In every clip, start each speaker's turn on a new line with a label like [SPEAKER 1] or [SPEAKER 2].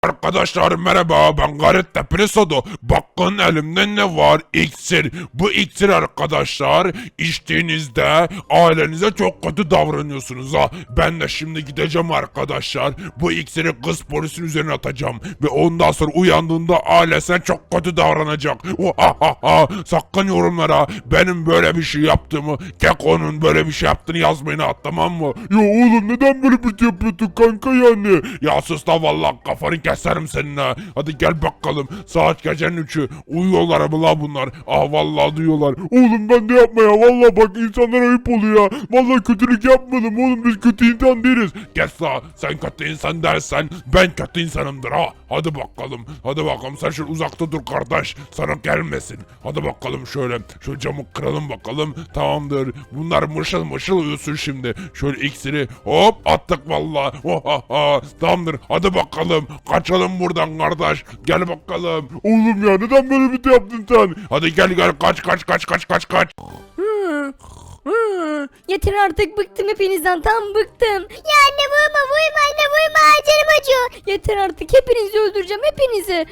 [SPEAKER 1] Arkadaşlar merhaba, ben Garip Tepelisodu. Bakın elimde ne var? İksir. Bu iksir arkadaşlar içtiğinizde ailenize çok kötü davranıyorsunuz ha. Ben de şimdi gideceğim arkadaşlar. Bu iksiri kız polisin üzerine atacağım. Ve ondan sonra uyandığında ailesine çok kötü davranacak. Sakın yorumlara benim böyle bir şey yaptığımı, Keko'nun böyle bir şey yaptığını yazmayın ha, tamam mı? Ya oğlum neden böyle bir şey yapıyorsun kanka yani? Ya sus da vallahi kafanı keserim seninle. Hadi gel bakalım. Saat gecenin 3'ü. Uyuyorlar mı la bunlar? Ah vallahi duyuyorlar. Oğlum ben de yapma ya. Vallahi bak insanlara ayıp oluyor ya. Vallahi kötülük yapmadım oğlum. Biz kötü insan değiliz. Kes la. Sen kötü insan dersen ben kötü insanımdır ha. Hadi bakalım. Hadi bakalım. Sen şöyle uzakta dur kardeş. Sana gelmesin. Hadi bakalım şöyle. Şu camı kıralım bakalım. Tamamdır. Bunlar mışıl mışıl uyusun şimdi. Şöyle iksiri hop attık vallahi. Tamamdır. Hadi bakalım. Kaçalım buradan kardeş. Gel bakalım. Oğlum ya neden böyle bir şey yaptın sen? Hadi gel kaç.
[SPEAKER 2] Yeter artık, bıktım hepinizden, tam bıktım. Ya anne vurma canım acıyor. Yeter artık, hepinizi öldüreceğim, hepinizi.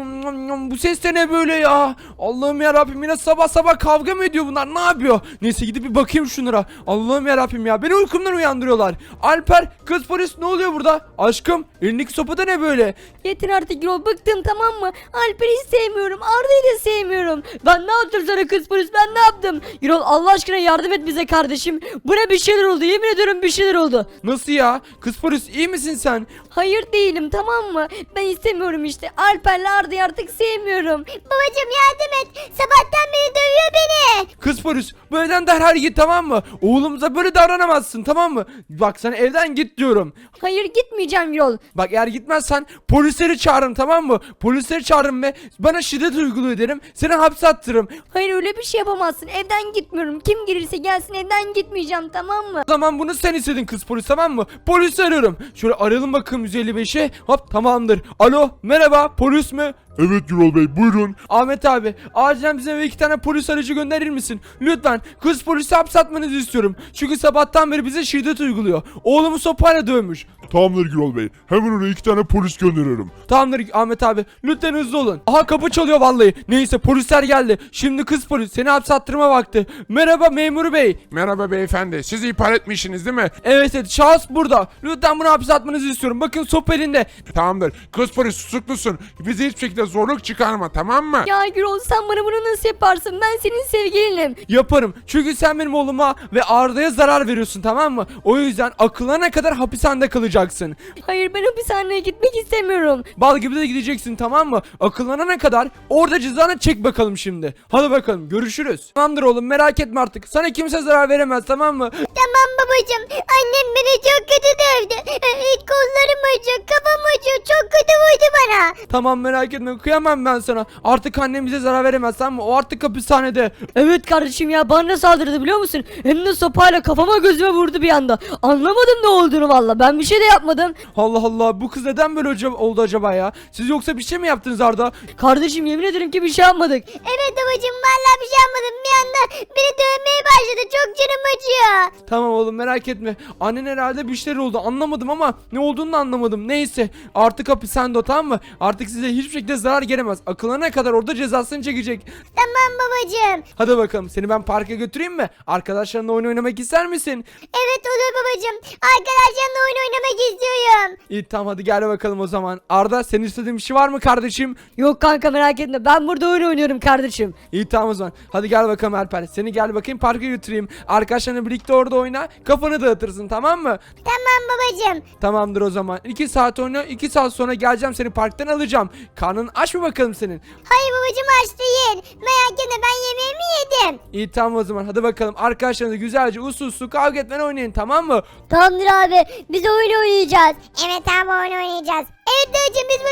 [SPEAKER 3] Bu ses de ne böyle ya? Allah'ım ya Rabbim, yine sabah sabah kavga mı ediyor bunlar? Ne yapıyor? Neyse gidip bir bakayım şunlara. Allah'ım ya Rabbim ya, beni uykumdan uyandırıyorlar. Alper, kız polis, ne oluyor burada? Aşkım, elindeki sopa da ne böyle?
[SPEAKER 2] Yeter artık Yol, bıktım, tamam mı? Alper'i hiç sevmiyorum, Arda'yı da sevmiyorum. Ben ne yaptım sana kız polis, ben ne yaptım? Yol Allah aşkına yardım et bize kardeşim. Buna bir şeyler oldu, yemin ediyorum bir şeyler oldu.
[SPEAKER 3] Nasıl ya? Kız polis, iyi misin sen?
[SPEAKER 2] Hayır değilim, tamam mı? Ben istemiyorum işte. Alper'le Arda'yı artık sevmiyorum. Babacım yardım et. Sabahtan beri dövüyor beni.
[SPEAKER 3] Kız polis, bu evden derhal git, tamam mı? Oğlumuza böyle davranamazsın, tamam mı? Bak sana evden git diyorum.
[SPEAKER 2] Hayır gitmeyeceğim Yol.
[SPEAKER 3] Bak eğer gitmezsen polisleri çağırırım, tamam mı? Polisleri çağırırım ve bana şiddet uyguluyor derim. Seni hapse attırırım.
[SPEAKER 2] Hayır öyle bir şey yapamazsın. Evden gitmiyorum. Kim gelirse gelsin evden gitmeyeceğim, tamam mı?
[SPEAKER 3] O zaman bunu sen istedin kız polis, tamam mı? Polisi arıyorum. Şöyle arayalım bakalım 155'e. Hop, tamamdır. Alo, merhaba, polis mi?
[SPEAKER 1] Evet Gürol Bey buyurun.
[SPEAKER 3] Ahmet abi, acilen bize eve 2 tane polis aracı gönderir misin? Lütfen, kız polisi hapse atmanızı istiyorum. Çünkü sabahtan beri bize şiddet uyguluyor. Oğlumu sopayla dövmüş.
[SPEAKER 1] Tamamdır Gürol Bey. Hemen oraya 2 tane polis gönderiyorum.
[SPEAKER 3] Tamamdır Ahmet abi, lütfen hızlı olun. Aha, kapı çalıyor vallahi. Neyse, polisler geldi. Şimdi kız polis, seni hapse attırma vakti. Merhaba memur bey.
[SPEAKER 4] Merhaba beyefendi. Siz ihbar etmişsiniz değil mi?
[SPEAKER 3] Evet, şahıs burada. Lütfen bunu hapse atmanızı istiyorum. Bakın sopa elinde.
[SPEAKER 4] Tamamdır. Kız polis tutuklusun. Bize hiçbir şekilde zorluk çıkarma, tamam mı?
[SPEAKER 2] Ya Gürol sen bana bunu nasıl yaparsın? Ben senin sevgilinim.
[SPEAKER 3] Yaparım. Çünkü sen benim oğluma ve Arda'ya zarar veriyorsun, tamam mı? O yüzden akıllarına kadar hapishanede kalacaksın.
[SPEAKER 2] Hayır ben hapishaneye gitmek istemiyorum.
[SPEAKER 3] Bal gibi de gideceksin, tamam mı? Akıllanana kadar orada cezanı çek bakalım şimdi. Hadi bakalım, görüşürüz. Tamamdır oğlum, merak etme artık. Sana kimse zarar veremez, tamam mı?
[SPEAKER 2] Tamam babacığım. Annem beni çok kötü dövdü. Kollarım acıyor, kafam acıyor. Çok kötü vurdu bana.
[SPEAKER 3] Tamam, merak etme, kıyamam ben sana. Artık annemize zarar veremez, tamam mı? O artık hapishanede.
[SPEAKER 2] Evet kardeşim ya, bana saldırdı biliyor musun? Hem de sopayla kafama gözüme vurdu bir anda. Anlamadım ne olduğunu valla. Ben bir şey de yapmadım.
[SPEAKER 3] Allah Allah, bu kız neden böyle oldu acaba ya? Siz yoksa bir şey mi yaptınız Arda?
[SPEAKER 2] Kardeşim yemin ederim ki bir şey yapmadık. Evet babacığım valla bir şey yapmadım. Bir anda beni dövmeye başladı. Çok canım acıyor.
[SPEAKER 3] Tamam oğlum, merak etme. Annen herhalde bir şeyler oldu, anlamadım ama ne olduğunu da anlamadım. Neyse, artık hapishanede o, tamam mı? Artık size hiçbir şekilde zarar gelemez. Akıllarına kadar orada cezasını çekecek.
[SPEAKER 2] Tamam babacığım.
[SPEAKER 3] Hadi bakalım, seni ben parka götüreyim mi? Arkadaşlarınla oyun oynamak ister misin?
[SPEAKER 2] Evet olur babacığım. Arkadaşlarımla oyun oynamak istiyorum.
[SPEAKER 3] İyi, tamam, hadi gel bakalım o zaman. Arda, senin istediğin bir şey var mı kardeşim?
[SPEAKER 2] Yok kanka merak etme. Ben burada oyun oynuyorum kardeşim.
[SPEAKER 3] İyi, tamam o zaman. Hadi gel bakalım Alper. Seni gel bakayım parka götüreyim. Arkadaşlarınla birlikte orada oyna. Kafanı dağıtırsın, tamam mı?
[SPEAKER 2] Tamam babacığım.
[SPEAKER 3] Tamamdır o zaman. 2 saat oyna. 2 saat sonra geleceğim, seni parktan alacağım. Karnın aç mı bakalım senin?
[SPEAKER 2] Hayır babacığım aç değil. Merak etme ben yemeğimi yedim.
[SPEAKER 3] İyi, tamam o zaman. Hadi bakalım. Arkadaşlarınızla güzelce uslu kavga etmeden oynayın, tamam mı?
[SPEAKER 2] Tamamdır abi. Biz oyun oynayacağız. Evet abi oyun oynayacağız. Evet dayıcım biz burada oyun oynayacağız.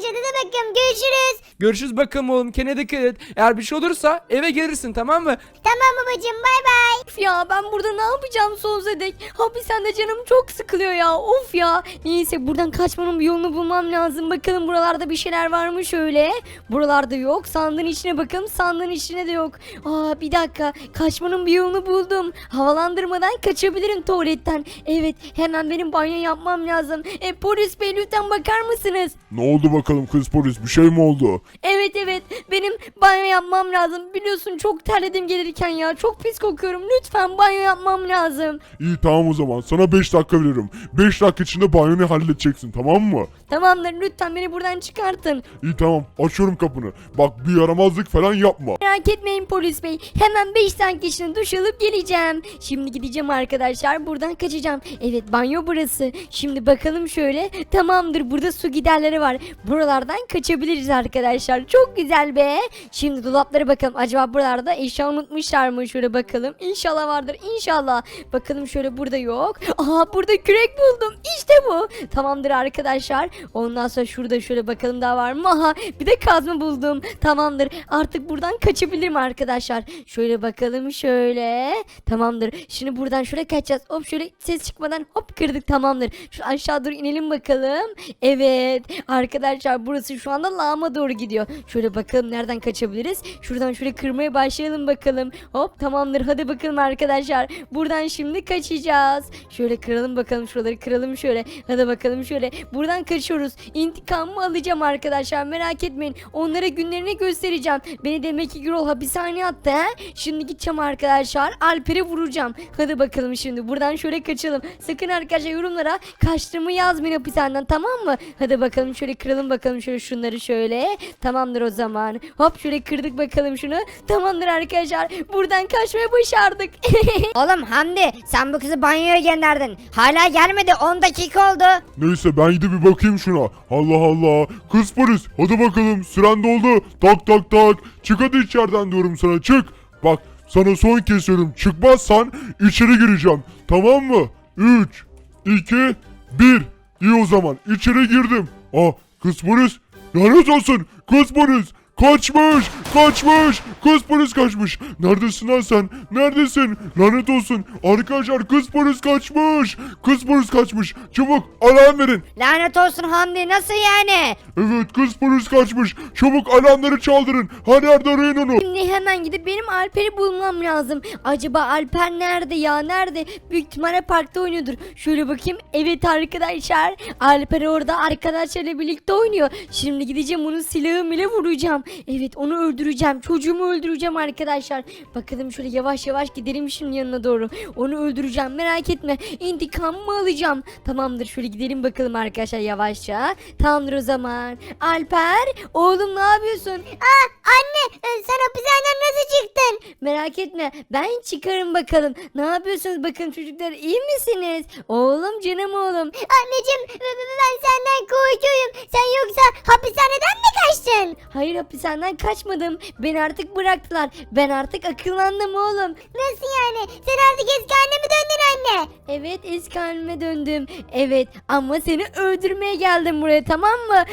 [SPEAKER 5] amca hadi bakalım görüşürüz.
[SPEAKER 3] Görüşürüz bakalım oğlum, kendine dikkat et. Eğer bir şey olursa eve gelirsin, tamam mı?
[SPEAKER 5] Tamam babacığım bay bay.
[SPEAKER 2] Of ya ben burada ne yapacağım sonsuza dek? Hapishanede canım çok sıkılıyor ya. Of ya. Neyse buradan kaçmanın bir yolunu bulmam lazım. Bakalım buralarda bir şeyler var mı şöyle. Buralarda yok. Sandığın içine bakalım. Sandığın içine de yok. Aa bir dakika. Kaçmanın bir yolunu buldum. Havalandırmadan kaçabilirim tuvaletten. Evet hemen benim banyo yapmam lazım. Polis bey lütfen bakar mısınız?
[SPEAKER 1] Ne oldu bakalım kız polis, bir şey mi oldu?
[SPEAKER 2] Evet benim banyo yapmam lazım. Biliyorsun çok terledim gelirken ya. Çok pis kokuyorum. Lütfen banyo yapmam lazım.
[SPEAKER 1] İyi tamam o zaman sana 5 dakika veririm. 5 dakika içinde banyonu halledeceksin, tamam mı?
[SPEAKER 2] Tamamdır lütfen beni buradan çıkartın.
[SPEAKER 1] İyi tamam, açıyorum kapını. Bak bir yaramazlık falan yapma.
[SPEAKER 2] Merak etmeyin polis bey. Hemen 5 dakika içinde duş alıp geleceğim. Şimdi gideceğim arkadaşlar. Buradan kaçacağım. Evet banyo burası. Şimdi bakalım şöyle. Tamamdır burada su giderleri var. Buralardan kaçabiliriz arkadaşlar. Çok güzel be. Şimdi dolaplara bakalım. Acaba buralarda eşya unutmuşlar mı? Şöyle bakalım. İnşallah vardır. İnşallah. Bakalım şöyle burada yok. Aha burada kürek buldum. İşte bu. Tamamdır arkadaşlar. Ondan sonra şurada şöyle bakalım daha var mı? Aha bir de kazma buldum. Tamamdır. Artık buradan kaçabilirim arkadaşlar. Şöyle bakalım şöyle. Tamamdır. Şimdi buradan şöyle kaçacağız. Hop şöyle ses çıkmadan hop kırdık. Tamamdır. Şu aşağı doğru inelim bakalım. Evet. Arkadaşlar burası şu anda lağıma doğru gidiyor. Şöyle bakalım nereden kaçabiliriz. Şuradan şöyle kırmaya başlayalım bakalım. Hop tamamdır. Hadi bakalım arkadaşlar. Buradan şimdi kaçacağız. Şöyle kıralım bakalım şuraları kıralım şöyle. Hadi bakalım şöyle. Buradan kaçıyoruz. İntikamımı alacağım arkadaşlar. Merak etmeyin. Onlara günlerini göstereceğim. Beni demek ki Gürol hapishaneye attı he. Şimdi gideceğim arkadaşlar. Alper'e vuracağım. Hadi bakalım şimdi. Buradan şöyle kaçalım. Sakın arkadaşlar yorumlara kaçtığımı yazmayın hapishaneden, tamam mı? Hadi bakalım şöyle kıralım bakalım şöyle şunları şöyle. Tamamdır o zaman. Hop şöyle kırdık bakalım şunu. Tamamdır arkadaşlar. Buradan kaçmayı başardık.
[SPEAKER 5] Oğlum Hamdi sen bu kızı banyoya gönderdin. Hala gelmedi 10 dakika oldu.
[SPEAKER 1] Neyse ben gidip bir bakayım şuna. Allah Allah. Kız polis hadi bakalım, süren doldu. Tak tak tak. Çık hadi içeriden diyorum sana, çık. Bak sana son kez söylüyorum. Çıkmazsan içeri gireceğim. Tamam mı? 3, 2, 1. İyi o zaman içeri girdim. Kız polis. Lanet olsun. Kız polis. Kaçmış! Kaçmış! Kız polis kaçmış! Neredesin lan sen? Neredesin? Lanet olsun! Arkadaşlar kız polis kaçmış! Kız polis kaçmış! Çabuk alarm verin!
[SPEAKER 5] Lanet olsun Hamdi nasıl yani?
[SPEAKER 1] Evet kız polis kaçmış! Çabuk alarmları çaldırın! Her yerde arayın onu!
[SPEAKER 2] Şimdi hemen gidip benim Alper'i bulmam lazım. Acaba Alper nerede ya? Nerede? Büyük ihtimalle parkta oynuyordur. Şöyle bakayım. Evet arkadaşlar. Alper orada arkadaşlarıyla birlikte oynuyor. Şimdi gideceğim onun silahımla vuracağım. Evet onu öldüreceğim. Çocuğumu öldüreceğim arkadaşlar. Bakalım şöyle yavaş yavaş gidelim şimdi yanına doğru. Onu öldüreceğim, merak etme. İntikamımı alacağım. Tamamdır şöyle gidelim bakalım arkadaşlar yavaşça. Tamamdır o zaman. Alper oğlum ne yapıyorsun?
[SPEAKER 5] Anne sen hapishaneden nasıl çıktın?
[SPEAKER 2] Merak etme ben çıkarım bakalım. Ne yapıyorsunuz bakın çocuklar, iyi misiniz? Oğlum canım oğlum.
[SPEAKER 5] Anneciğim ben senden korkuyorum. Sen yoksa hapishaneden mi kaçtın?
[SPEAKER 2] Hayır hapishaneden kaçmadım. Beni artık bıraktılar. Ben artık akıllandım oğlum.
[SPEAKER 5] Nasıl yani? Sen artık eski haline mi döndün anne?
[SPEAKER 2] Evet eski halime döndüm. Evet ama seni öldürmeye geldim buraya, tamam mı?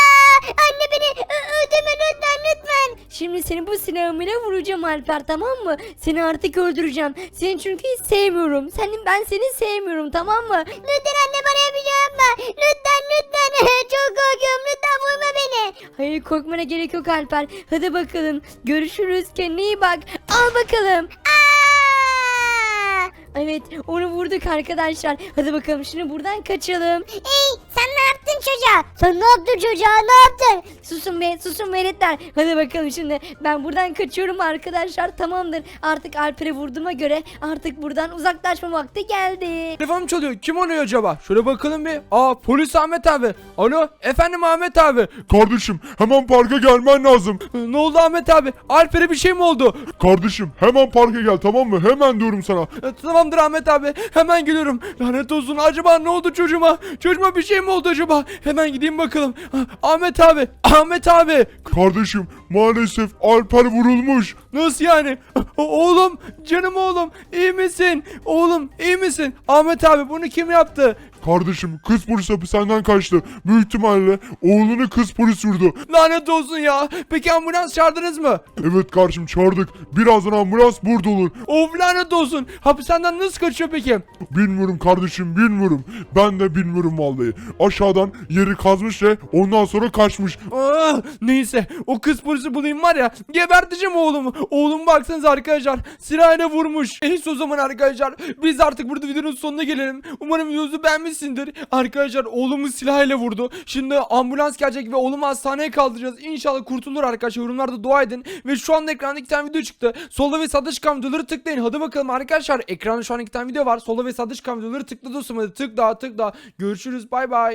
[SPEAKER 5] Anne beni öldürme lütfen.
[SPEAKER 2] Şimdi seni bu silahımla vuracağım Alper, tamam mı? Seni artık öldüreceğim. Seni çünkü hiç sevmiyorum. Ben seni sevmiyorum, tamam mı?
[SPEAKER 5] Lütfen anne bana yapacağım yapma. Lütfen. Çok korkuyorum. Lütfen vurma beni.
[SPEAKER 2] Hayır korkmana gerek yok Alper. Hadi bakalım. Görüşürüz. Kendine iyi bak. Al bakalım. Evet onu vurduk arkadaşlar. Hadi bakalım şimdi buradan kaçalım.
[SPEAKER 5] Sen ne yaptın çocuğa? Sen ne yaptın çocuğa? Ne yaptın?
[SPEAKER 2] Susun veletler. Hadi bakalım şimdi ben buradan kaçıyorum arkadaşlar, tamamdır. Artık Alper'e vurduğuma göre artık buradan uzaklaşma vakti geldi.
[SPEAKER 3] Telefonum çalıyor. Kim arıyor acaba? Şöyle bakalım bir. Polis Ahmet abi. Alo efendim Ahmet abi.
[SPEAKER 1] Kardeşim hemen parka gelmen lazım.
[SPEAKER 3] Ne oldu Ahmet abi? Alper'e bir şey mi oldu?
[SPEAKER 1] Kardeşim hemen parka gel, tamam mı? Hemen diyorum sana.
[SPEAKER 3] Tamamdır Ahmet abi. Hemen geliyorum. Lanet olsun. Acaba ne oldu çocuğuma? Çocuğuma bir şey mi oldu acaba? Hemen gideyim bakalım. Ahmet abi. Ahmet abi.
[SPEAKER 1] Kardeşim maalesef Alper vurulmuş.
[SPEAKER 3] Nasıl yani? Oğlum. Canım oğlum. İyi misin? Oğlum iyi misin? Ahmet abi bunu kim yaptı?
[SPEAKER 1] Kardeşim kız polis hapishaneden kaçtı. Büyük ihtimalle oğlunu kız polis vurdu.
[SPEAKER 3] Lanet olsun ya. Peki ambulans çağırdınız mı?
[SPEAKER 1] Evet kardeşim çağırdık. Birazdan ambulans burada olur.
[SPEAKER 3] Of lanet olsun. Hapishaneden nasıl kaçıyor peki?
[SPEAKER 1] Bilmiyorum kardeşim bilmiyorum. Ben de bilmiyorum vallahi. Aşağıdan yeri kazmış ve ondan sonra kaçmış.
[SPEAKER 3] Neyse o kız polisi bulayım var ya, geberteceğim oğlumu. Oğlum baksanıza arkadaşlar, silahıyla vurmuş. Neyse o zaman arkadaşlar biz artık burada videonun sonuna gelelim. Umarım videomuzu beğenmişsindir. Arkadaşlar oğlumu silahıyla vurdu. Şimdi ambulans gelecek ve oğlumu hastaneye kaldıracağız. İnşallah kurtulur arkadaşlar. Yorumlarda dua edin. Ve şu anda ekranda 2 tane video çıktı. Solda ve sağda çıkan videoları tıklayın. Hadi bakalım arkadaşlar, ekranda şu an 2 tane video var. Solda ve sağda çıkan videoları tıkla dostum, hadi tıkla. Görüşürüz, bay bay.